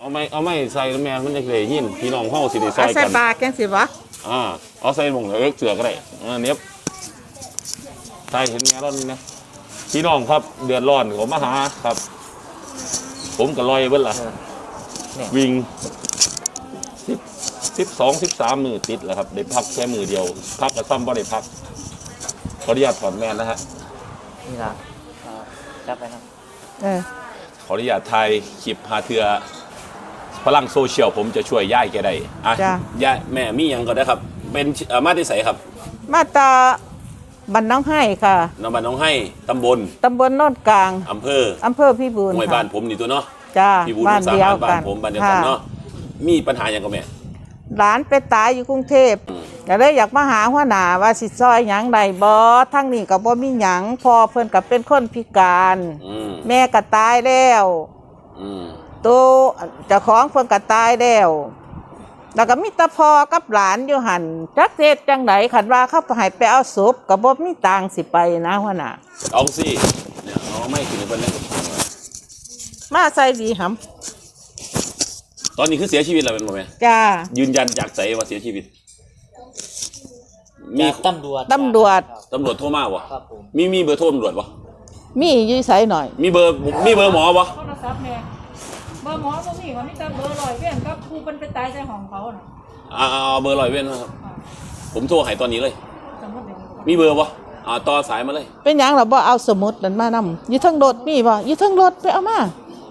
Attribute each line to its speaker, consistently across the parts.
Speaker 1: ไม่ใส่แม่มันจะเลยยินพี่น้องเฮาสิได้ใส่กัน
Speaker 2: ใส่ปลาแกงสิวะ
Speaker 1: เอาใส่หม่องเสือก็ได้เนี้ยใส่เห็นแม่ร้อนนะพี่น้องครับเดือดร้อนผมมาหาครับผมก็ลอยเบิ้ลล่ะวิ่ง12-13 มือติดแล้วครับได้พักแค่มือเดียวพักกับซ้ำบ่ได้พักขออนุญาตถอนแมนนะฮะ
Speaker 3: นี่ล่ะจับไปครับ
Speaker 1: ขออนุญาตถ่ายคลิปหาเทือพลังโซเชียลผมจะช่วยย่ายแกได้ย่ายแม่มียังก็ได้ครับเป็นมาที่ใสครับ
Speaker 2: มาตาบ้านน้องให้ค่ะ
Speaker 1: บ้านน้องให้ตำบล
Speaker 2: โนนกลาง
Speaker 1: อำเภอ
Speaker 2: พี่บูล
Speaker 1: หมู่บ้านผมนี่ตัวเนาะ
Speaker 2: จ้า
Speaker 1: พี่บูลบ้านเดียวกันผมบ้านเดียวกันเนาะมีปัญหาอย่างก็แม่
Speaker 2: หลานไปตายอยู่กรุงเทพก็เลยอยากมาหาหัวหน้าว่าสิซอยหยังใดบ่ทั้งนี้ก็บ่มีหยังพอเพิ่นก็เป็นคนพิการแม่ก็ตายแล้วตัวเจ้าของเพิ่นก็ตายแล้วแล้วก็มีตาพ่อกับหลานอยู่หั่นจักเฮ็ดจังไดคันว่าเขาให้ไปเอาศพก็บ่มีตังค์สิไปนะหัวหน้า
Speaker 1: เอาสิเนี่ยเอาไม่กินเพิ่นเลย
Speaker 2: มาใส่ดีหำ
Speaker 1: ตอนนี้คือเสียชีวิตแล้วเป็นบ่แม่
Speaker 2: จ้า
Speaker 1: ยืนยันจากใจว่าเสียชีวิต
Speaker 3: มีตำรวจ
Speaker 1: โทรมาบ่มีเบอร์โทรตำรวจบ่
Speaker 2: มีอยู่ไสหน่อย
Speaker 1: มีเบอร์หมอบ่
Speaker 4: โทรศัพท์แม่เบอร์หมอบ่มีก็มีแต่เบอร์100เว้นกับผู้เพิ่นไปตายในห้องเขาน่ะ
Speaker 1: เอาเบอร์100เว้นครับผมโทรให้ตอนนี้เลยมีเบอร์บ่ต่อสายมาเลย
Speaker 2: เป็นหยังล่ะบ่เอาสมุดนั่นมานำอยู่ทั้งรถมีบ่อยู่ทั้งรถไปเอามา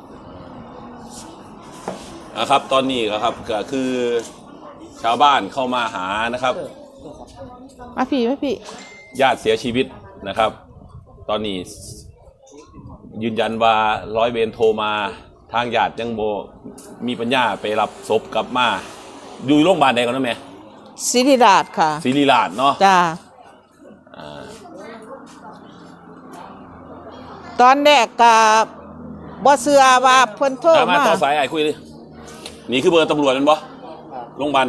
Speaker 1: ครับตอนนี้ครับก็คือชาวบ้านเข้ามาหานะครับ
Speaker 2: มาพี่
Speaker 1: ญาติเสียชีวิตนะครับตอนนี้ยืนยันว่าร้อยเวรโทรมาทางญาติยังโบมีปัญญาไปรับศพกลับมาอยู่โรงพยาบาลใดก่อนนะแม่
Speaker 2: ศิริราชค่ะ
Speaker 1: ศิริราชเนาะ
Speaker 2: จ้าตอนแรกก็บ่เชื่อว่าเพิ่นโทรมา
Speaker 1: ต่อสายไอ้คุยดินี่คือเบอร์ตำรวจนั่นบ่โรงพยาบาล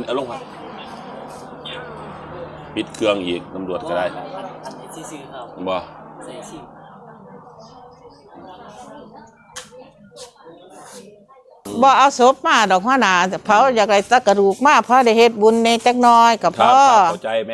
Speaker 1: ปิดเครื่องอีกตำรวจก็ได้บ่
Speaker 2: เอาศพมาดอกหัวหน้าเผาอยากได้ตะกระดูกมาเพราะได้เฮ็ดบุญในจักน้อยก็พอ
Speaker 1: เข้าใจแม่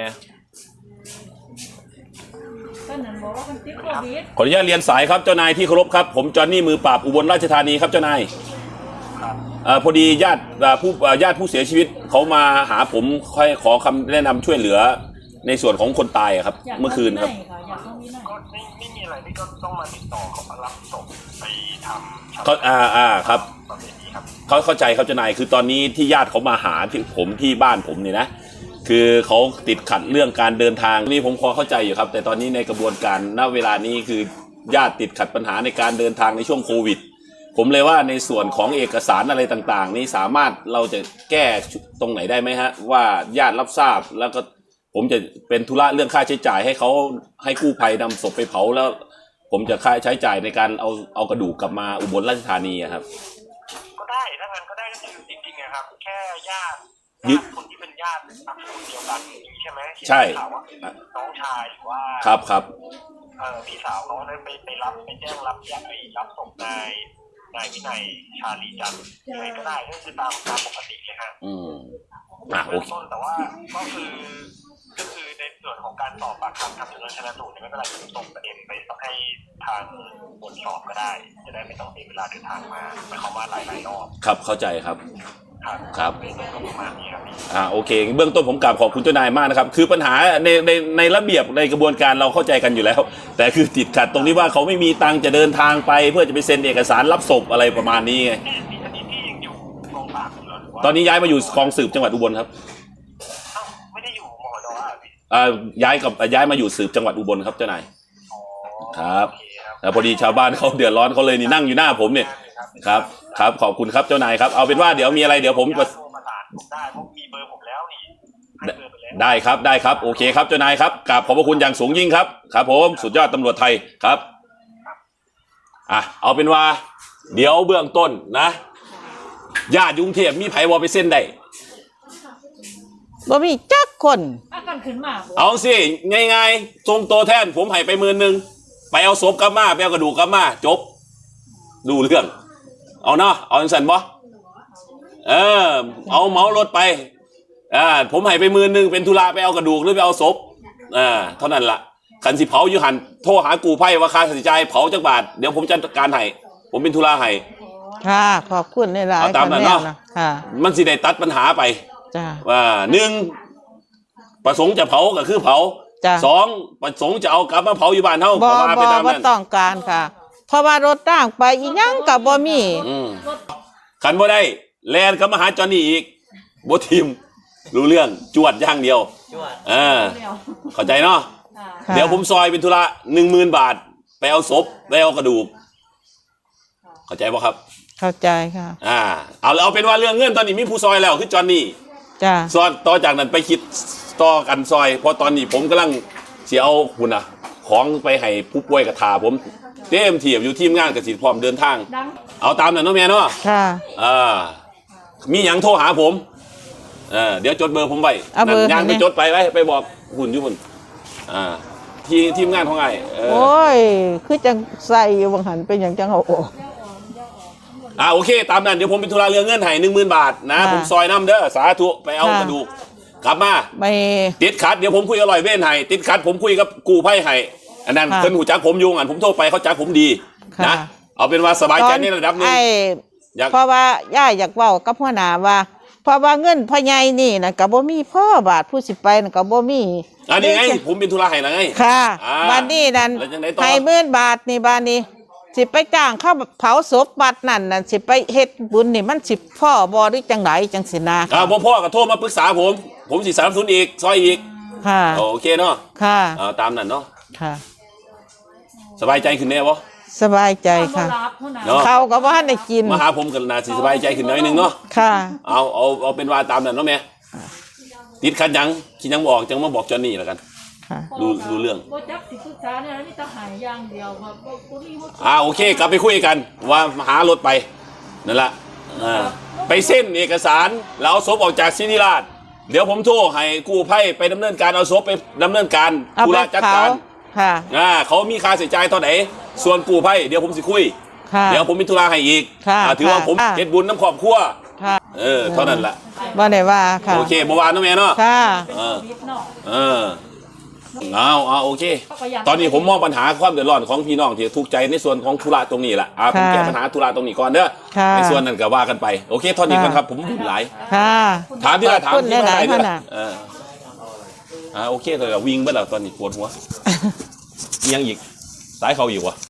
Speaker 1: ขออนุญาตเรียนสายครับเจ้านายที่เคารพครับผมจอห์นนี่มือปราบอุบลราชธานีครับเจ้านายพอดีญาติผู้เสียชีวิตเขามาหาผมค่อยขอคำแนะนำช่วยเหลือในส่วนของคนตายครับเมื่อคืนครับ
Speaker 5: ไม่มีอะไรที่ก็ต้องมาติดต่อเขามารับศพไปทำ
Speaker 1: เขาครับเขาเข้าใจครับเจ้านายคือตอนนี้ที่ญาติเขามาหาผมที่บ้านผมเนี่ยนะคือเขาติดขัดเรื่องการเดินทางนี่ผมพอเข้าใจอยู่ครับแต่ตอนนี้ในกระบวนการณเวลานี้คือญาติติดขัดปัญหาในการเดินทางในช่วงโควิดผมเลยว่าในส่วนของเอกสารอะไรต่างๆนี้สามารถเราจะแก้ตรงไหนได้ไหมฮะว่าญาติรับทราบแล้วก็ผมจะเป็นธุระเรื่องค่าใช้จ่ายให้เขาให้กู้ภัยนำศพไปเผาแล้วผมจะค่าใช้จ่ายในการเอากระดูกกลับมาอุบลราชธานีครับ
Speaker 5: ก็ได้ถ้างั้นก็ได้ก็คือจริงๆนะครับแค่ญาติคนที่เป็นญาติคนเดียวกันใช่ไหม
Speaker 1: ใช่
Speaker 5: น้องชายหรือว่า
Speaker 1: ครับ
Speaker 5: พี่สาวเขาได้ไปรับไปแจ้งรับรับศพนายวินัยชาลีจันทร์ยังไงก็ได้ก็คือตามปกติเลยฮะ
Speaker 1: โอเค
Speaker 5: แต่ว่าก็คือในส่วนของการสอบปากคำทำสำนวนชันสูตรเนี่ยไม่เป็นไรจะส่งประเด็นไปให้ทางบทสอบก็ได้จะได้ไม่ต้องเสียเวลาเดินทางมาหมายความว่าหลายรอบ
Speaker 1: ครับเข้าใจครับ
Speaker 5: ครับ
Speaker 1: โอเคเบื้องต้นผมกราบขอบคุณเจ้านายมากนะครับคือปัญหาในระเบียบในกระบวนการเราเข้าใจกันอยู่แล้วแต่คือติดขัดตรงนี้ว่าเขาไม่มีตังค์จะเดินทางไปเพื่อจะไปเซ็นเอกสารรับศพอะไรประมาณนี้ไงตอนนี้ย้ายมาอยู่คลองสืบจังหวัดอุบลครับ
Speaker 5: ไม่ได้อยู่มหด
Speaker 1: ย้ายมาอยู่สืบจังหวัดอุบลครับเจ้านายครับแต่พอดีชาวบ้านเขาเดือดร้อนเขาเลยนี่นั่งอยู่หน้าผมเนี่ยครับขอบคุณครับเจ้านายครับเอาเป็นว่าเดี๋ยวมีอะไรเดี๋ยวผม
Speaker 5: ได้ผมมีเบอร์ผมแล้วนี่
Speaker 1: ได้ครับโอเคครับเจ้านายครับกราบขอบพระคุณอย่างสูงยิ่งครับครับผมสุดยอดตำรวจไทยครับเอาเป็นว่าเดี๋ยวเบื้องต้นนะญาติกรุงเทพมีไผวอไปเส้นได้
Speaker 2: บ่มีจักคน
Speaker 1: เอาสิง่ายๆทรงโตแทนผมให้ไป10,000ไปเอาศพกลับมาไปเอากระดูกกลับมาจบดูเรื่องเอาเนาะเอาสั่นบ่เอาเหมารถไปผมให้ไป10,000เป็นธุระไปเอากระดูกหรือไปเอาศพเท่านั้นละขันสิเผาอยู่หันโทรหากูไพ่ว่าค่าใช้จ่ายเผาจักบาทเดี๋ยวผมจัดการให้ผมเป็นธุระให้
Speaker 2: ค่ะขอบคุณในหลาย
Speaker 1: เอาตามนั้นเนาะ
Speaker 2: ค่ะ
Speaker 1: มันสิได้ตัดปัญหาไป
Speaker 2: จ้า
Speaker 1: ว่า1ประสงค์จะเผาก็คือเผา
Speaker 2: จ้ะ
Speaker 1: 2ประสงค์จะเอากลับมาเผาอยู่บ้านเฮา
Speaker 2: บ่
Speaker 1: ก็ว่าไปตาม
Speaker 2: บ่
Speaker 1: นั้น
Speaker 2: ต้องการค่ะ เพราะว่ารถต่างไปอีหยังก็บ่มี
Speaker 1: ขันบ่ได้แลนก็มาหาจอห์นนี่อีกบ่ทีมรู้เรื่องจวดอย่างเดียว
Speaker 3: จวด
Speaker 4: เดี๋ยว
Speaker 1: เข้าใจเนาะ
Speaker 2: ค่ะ
Speaker 1: เดี๋ยวผมซอยเป็นธุระ10,000 บาทไปเอาศพไปเอากระดูกเข้าใจป่ะครับ
Speaker 2: เข้าใจค่ะ
Speaker 1: เอาเป็นว่าเรื่องเงินตอนนี้มีผู้ซอยแล้วคือจอห์นนี่
Speaker 2: จ้า
Speaker 1: ซอยต่อจากนั้นไปคิดต่อกันซอยเพราะตอนนี้ผมกำลังเสียเอาหุ่นของไปให้ผู้ป่วยกระทาผมเต็มที่อยู่ทีมงานกสิพร้อมเดินทาง
Speaker 4: ดัง
Speaker 1: เอาตามนั้นเนาะแม่เนาะ
Speaker 2: ค่ะ
Speaker 1: มีหยังโทรหาผมเดี๋ยวจดเบอร์ผมไว้
Speaker 2: เอาเบอร์
Speaker 1: ย่างไป
Speaker 2: ให้แน่
Speaker 1: จดไปบอกหุ่นอยู่หุ่นทีมงานของไอ้
Speaker 2: โอ้ย คือจังใส่อยู่บางหันเป็นอย่างจังเอาออก
Speaker 1: โอเคตามนั้นเดี๋ยวผมเป็นธุระเรื่องเงินให้10,000 บาทนะ
Speaker 2: ค่ะ
Speaker 1: ผมซอยน้ำเด้อสาธุไปเอา
Speaker 2: ค่ะ
Speaker 1: กระดูกกลับมา
Speaker 2: ไม่
Speaker 1: ติดขัดเดี๋ยวผมคุยกับลอยเว้นให้ติดขัดผมคุยกับกูไพ่ให้อันนั้น
Speaker 2: ค่ะ
Speaker 1: เพิ่นหูจักผมอยุงอันผมโทรไปเขาจักผมดี
Speaker 2: ค่ะ
Speaker 1: นะเอาเป็นว่าสบายใจในระดับหนึง
Speaker 2: ไอ้
Speaker 1: อยาก
Speaker 2: เพราะว่าย่าอยากเว้ากับหัวหน้าว่า เพราะว่าเงินพ่อใหญ่นี่นะก็บ่มีพ่อบาทผู้สิไปน่ะก็บ่มี
Speaker 1: อันนี้ไงผมเป็นธุระให้แล้วไง
Speaker 2: ค่ะ
Speaker 1: อ่า
Speaker 2: บัดนี้นั่น
Speaker 1: แล้วจังไดต่อ
Speaker 2: ให้10,000 บาทนี่บาดนี้ สิไปจ้างเข้าเผาศพบัดนั่นน่ะสิไปเฮ็ดบุญนี่มันสิพ่อบ่หรือจังไดจังสินะ
Speaker 1: พ่อก็โทรมาปรึกษาผมสิสนับสนุนอีกซอยอีก
Speaker 2: ค่ะ
Speaker 1: โอเคเนาะ
Speaker 2: ค่ะ
Speaker 1: เอาตามนั้นเนาะ
Speaker 2: ค่ะ
Speaker 1: สบายใจขึ้นแน่บ่
Speaker 2: สบายใจ
Speaker 4: ค่ะ
Speaker 2: ค่ะ
Speaker 4: รับหัวหน้า
Speaker 1: เนาะ
Speaker 2: เขาก็บ่ทันได้กิน
Speaker 1: มาหาผมกันนาสิสบายใจขึ้นหน่อยหนึงเนาะ
Speaker 2: ค่ะ
Speaker 1: เอาเป็นว่าตามนั้นเนาะแม่ติดขัดหยังคิดหยังบอกจังมาบอกจอห์นนี่แล้วกัน
Speaker 2: ค่ะ
Speaker 1: รู้เรื่อง
Speaker 4: บ่จักสิปรึกษาเนี่ยนี่จะหายอย่างเดียวครับบ่มีหัว
Speaker 1: โอเคกลับไปคุยกันว่าหารถไปนั่นแหละไปเส้นเอกสารแล้วเอาศพออกจากศิริราชเดี๋ยวผมโทรให้กู้ภัยไปดำเนินการเอาศพไปดำเนินการ
Speaker 2: เอา
Speaker 1: ธุ
Speaker 2: ไประ
Speaker 1: จัด
Speaker 2: เผา
Speaker 1: การ
Speaker 2: ค่ะ
Speaker 1: เขามีค่าใช้จ่ายเท่าไหร่ส่วนกู้ภัยเดี๋ยวผมสิคุย
Speaker 2: ค่ะ
Speaker 1: เดี๋ยวผมมีธุระให้อีก
Speaker 2: ค่ะ
Speaker 1: ถือว่าผม
Speaker 2: ค่ะ
Speaker 1: เฮ็ดบุญน้ำครอบครัว
Speaker 2: ค่ะ
Speaker 1: เท่านั้นแหละ
Speaker 2: บ่ได้ว่าค่ะ
Speaker 1: โอเคเมื่อวานน้องแม่เนาะ
Speaker 2: ค่ะ
Speaker 4: ชีวิตเนาะ
Speaker 1: โอเค ตอนนี้ผมมองปัญหาความเดือดร้อนของพี่น้องที่ทุกข์ใจในส่วนของธุระตรงนี้แหละผมแก้ปัญหาธุระตรงนี้ก่อนเด้อ
Speaker 2: ค่ะ
Speaker 1: ในส่วนนั้นก็ว่ากันไปโอเคเท่านี้ก่อนครับผมหลาย
Speaker 2: ค่ะ
Speaker 1: ถามที่ละถาม
Speaker 2: ขอบคุณ
Speaker 1: ที่
Speaker 2: หลายๆ
Speaker 1: ที่
Speaker 2: ท่าน
Speaker 1: ละ
Speaker 2: น่ะ
Speaker 1: โอเคเลยวิ่งเมื่อไหร่ตอนนี้ปวดหัวยังอีกสายเขาอีกวะ